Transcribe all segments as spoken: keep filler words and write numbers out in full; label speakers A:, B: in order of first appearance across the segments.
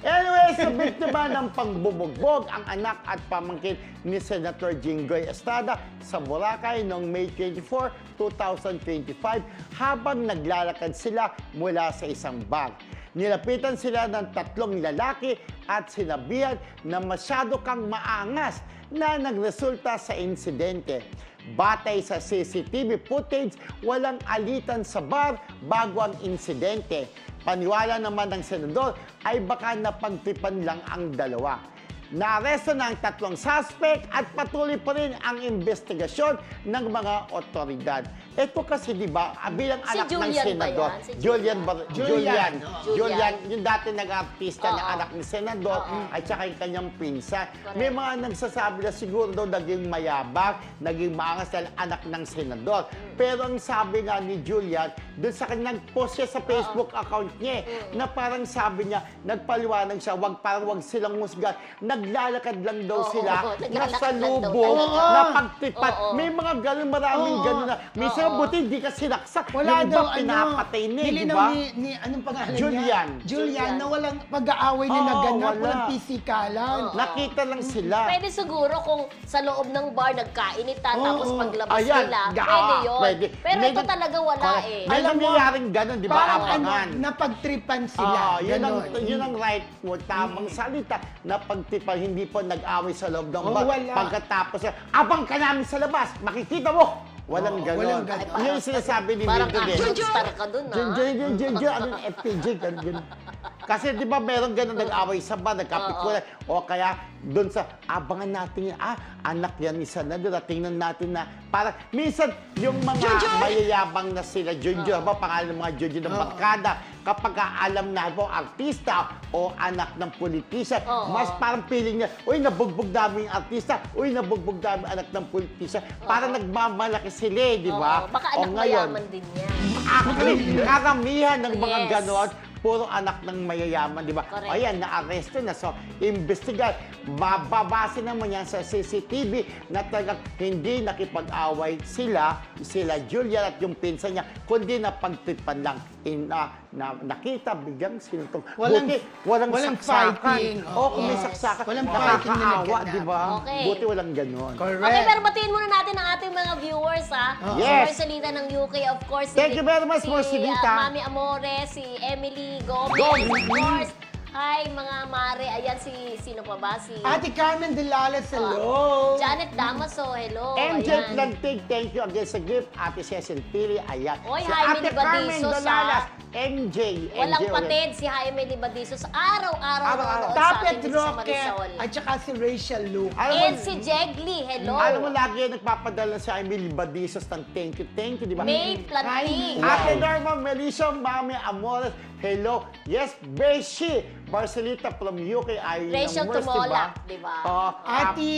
A: Anyways, nabiktima ng pagbubugbog ang anak at pamangkin ni Senator Jinggoy Estrada sa Boracay noong May twenty-fourth, two thousand twenty-five habang naglalakad sila mula sa isang bar. Nilapitan sila ng tatlong lalaki at sinabihan na masyado kang maangas na nagresulta sa insidente. Batay sa C C T V footage, walang alitan sa bar bago ang insidente. Paniwala naman ng senador ay baka napagtripan lang ang dalawa. Naaresto na ang tatlong suspect at patuloy pa rin ang investigasyon ng mga otoridad. Ito kasi, di ba, bilang
B: Si
A: anak
B: Julian
A: ng
B: ba
A: senador,
B: yan? Si
A: Julian, Bar-
C: Julian.
A: Julian,
B: Julian.
A: Julian, yung dati nag-artista na
B: Oo.
A: anak ni senador,
B: Oo.
A: at saka yung kanyang pinsan.
B: Correct.
A: May mga nagsasabi na siguro daw naging mayabang, naging maangas dahil anak ng senador. Pero ang sabi nga ni Julian, doon sa kanyang post siya sa Facebook account niya, na parang sabi niya, nagpaliwanag siya, wag, parang wag silang musgan, naglalakad lang daw
B: Oo,
A: sila,
B: oo, naglalakad
A: nasa
B: lang daw
A: lubong,
B: talaga.
A: na pagtipat.
B: Oo.
A: May mga ganun, maraming
C: Oo.
A: ganun na. Minsan,
B: Oo.
A: buti hindi ka sinaksak.
C: Wala
A: yung iba
C: daw, ano,
A: pinapatay na, eh, di
C: nilinaw
A: ba?
C: ni, ni, anong pangalan
A: Julian.
C: niya? Julian,
B: Julian.
C: na walang pag-aaway na
A: Oo,
C: naganap,
A: wala.
C: walang pisikalan.
B: Oo.
A: Nakita lang sila.
B: Pwede siguro kung sa loob ng bar nagkainitan
C: Oo.
B: tapos paglabas
A: Ayan,
B: nila,
A: ga-
B: pwede yun.
A: pwede.
B: Pero
A: May
B: ito
A: nag-
B: talaga wala
A: Correct.
B: eh.
A: May
C: Alam mo,
A: nangyayaring ganun, di ba?
C: Parang ano,
A: Abangan.
C: napagtripan sila.
A: Ah, yun, ang,
C: Ganon.
A: yun ang right mo, tamang salita na pagtipan, hindi po nag-away sa loob ng
C: Oo,
A: bar.
C: wala.
A: Pagkatapos, abang ka namin sa labas, makikita mo. Walang
C: Oo,
A: ganon.
C: walang ganon.
A: Yun yung sinasabi ni
B: Parang
A: Mildred eh.
B: action star ka dun,
A: Jun,
B: ah.
A: Jun, Jun, Jun, Jun, ano yung F P J, ganun, ganun. Kasi di ba meron ganun nag-away sa bar, nagkapikulan. O kaya doon sa, abangan natin yan, ah, anak yan ni Senador, tingnan natin na, parang, minsan, yung mga mayayabang na sila, Junjun, ba, pangalan ng mga Junjun ng barkada, kapag alam na po, artista o anak ng politician,
B: Oo.
A: mas parang feeling niya, uy, nabugbog namin yung artista, uy, nabugbog namin anak ng politician, parang nagmamalaki sila, eh, di ba?
B: Oo, baka
A: O
B: anak
A: ngayon,
B: mayaman din yan.
A: Actually, karamihan ng mga
B: Yes.
A: ganon, puro anak ng mayayaman, di ba?
B: Correct.
A: Ayan, na-arresto na. So, investigat. Bababase naman yan sa C C T V na talagang hindi nakipag-away sila, sila Julian at yung pinsan niya, kundi napagtripan lang. In, ah, na, nakita, biglang sinutong.
C: Walang-
A: Buti, walang,
C: walang
A: saksakan.
C: fighting.
A: Oo, kung may
B: Yes.
A: saksakan,
C: Walang fighting na
A: nakakaawa,
C: nagganap.
A: di ba?
B: Okay.
A: Buti walang ganon.
C: Correct.
B: Okay, pero batiin muna natin ang ating mga viewers, ha?
C: Oo.
B: Si
A: Yes.
B: Marcelita ng U K, of course.
A: Thank you very much,
B: si,
A: Marcelita.
B: uh, Mami Amore, si Emily Gomez,
A: Gomez.
B: of course. Hi, mga mare. Ayan, si, sino pa ba? Si
C: Ate Carmen Delales, hello.
B: Janet Damaso, hello.
A: M J
B: Ayan.
A: Plantig, thank you again sa gift. Ate Cecil Pili, ayan.
B: Oy,
A: Si
B: Jaime
A: Ate
B: Libadizo
A: Carmen
B: sa-
A: Dolalas, M J.
B: Walang
A: M J,
B: patid si Jaime Libadizo. Araw-araw
A: Araw-araw.
B: nanonood sa
C: Tapet
B: atin dito sa
C: Roque,
B: Marisol.
C: at saka si Rachel Luke.
A: Alam mo,
B: And si Jegly, hello.
A: alam mo lagi yan nagpapadala si Emily Libadizos ng thank you, thank you, di ba?
B: May Planting.
A: Ate Norma Melissa, Mami Amores, hello. Yes, Beshi, Marcelita from U K, ay
B: Rachel Tumolak, di ba?
A: Oo.
C: Ate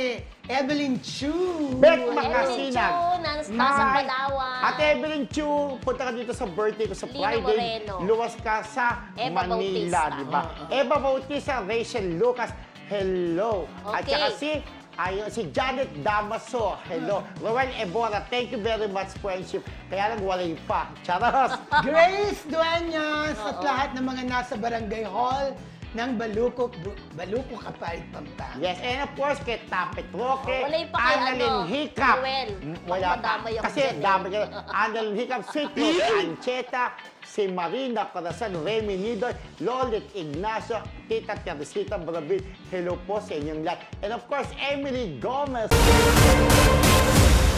C: Evelyn Chu.
A: Beth
B: Evelyn
A: Makasinag.
B: Chu, ng
A: Hi.
B: Tasang Palawan.
A: Ate Evelyn Chu, punta ka dito sa birthday ko sa
B: Lino
A: Friday.
B: Moreno.
A: Luwas ka sa
B: Eva
A: Manila,
B: Bautista.
A: di ba? Eva Bautista, Rachel Lucas, hello. At
B: Okay.
A: saka si, ayun, si Janet Damaso, hello. Roel Ebora, thank you very much, friendship. Kaya lang walay pa. Charos!
C: Grace Dueñas at
B: Oo.
C: lahat ng mga nasa Barangay Hall ng Baluco, Bu- Baluco Kapalit, Pampanga.
A: Yes, and of course, kay Tapet Roque,
B: Oh, wala yung pa kay
A: Annalyn
B: ano,
A: Hiccup.
B: Noel.
A: Mm,
B: Baka
A: Wala pa.
B: madamay ako
A: Kasi
B: dyan, eh.
A: dami ka. Annalyn Hiccup, Sweet Rose Ancheta, si Marina Corazon, Remy Nidoy, Lolit Ignacio, Tita Teresita Brabil. Hello po sa inyong lahat. And of course, Emily Gomez.